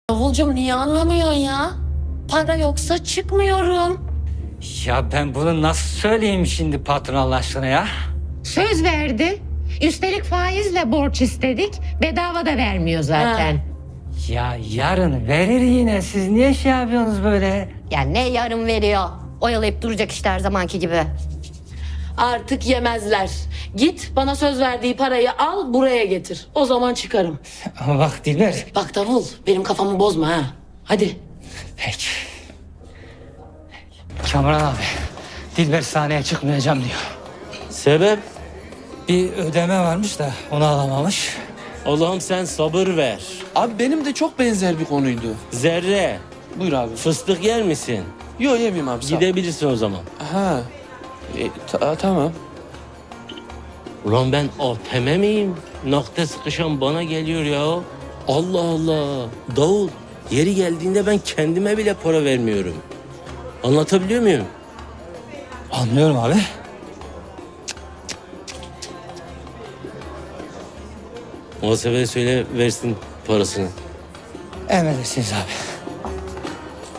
Davulcum niye anlamıyorsun ya? Para yoksa çıkmıyorum. Ya ben bunu nasıl söyleyeyim şimdi patron Allah aşkına ya? Söz verdi. Üstelik faizle borç istedik. Bedava da vermiyor zaten. Ya yarın verir yine. Siz niye şey yapıyorsunuz böyle? Ya ne yarım veriyor? Oyalayıp duracak işte her zamanki gibi. Artık yemezler. Git bana söz verdiği parayı al buraya getir. O zaman çıkarım. Ama bak Dilber. Bak Davul benim kafamı bozma ha. Hadi. Peki. Kamuran abi. Dilber sahneye çıkmayacağım diyor. Sebep? Bir ödeme varmış da onu alamamış. Allah'ım sen sabır ver. Abi benim de çok benzer bir konuydu. Zerre, Buyur abi. fıstık yer misin? Yok yemeyeyim abi sağ ol. Gidebilirsin o zaman. Ha. Tamam. Ulan ben ATM miyim? Nakde sıkışan bana geliyor ya. Allah Allah. Davul, yeri geldiğinde ben kendime bile para vermiyorum. Anlatabiliyor muyum? Anlıyorum abi. Muhasebeye söyle versin parasını. Emredersiniz abi.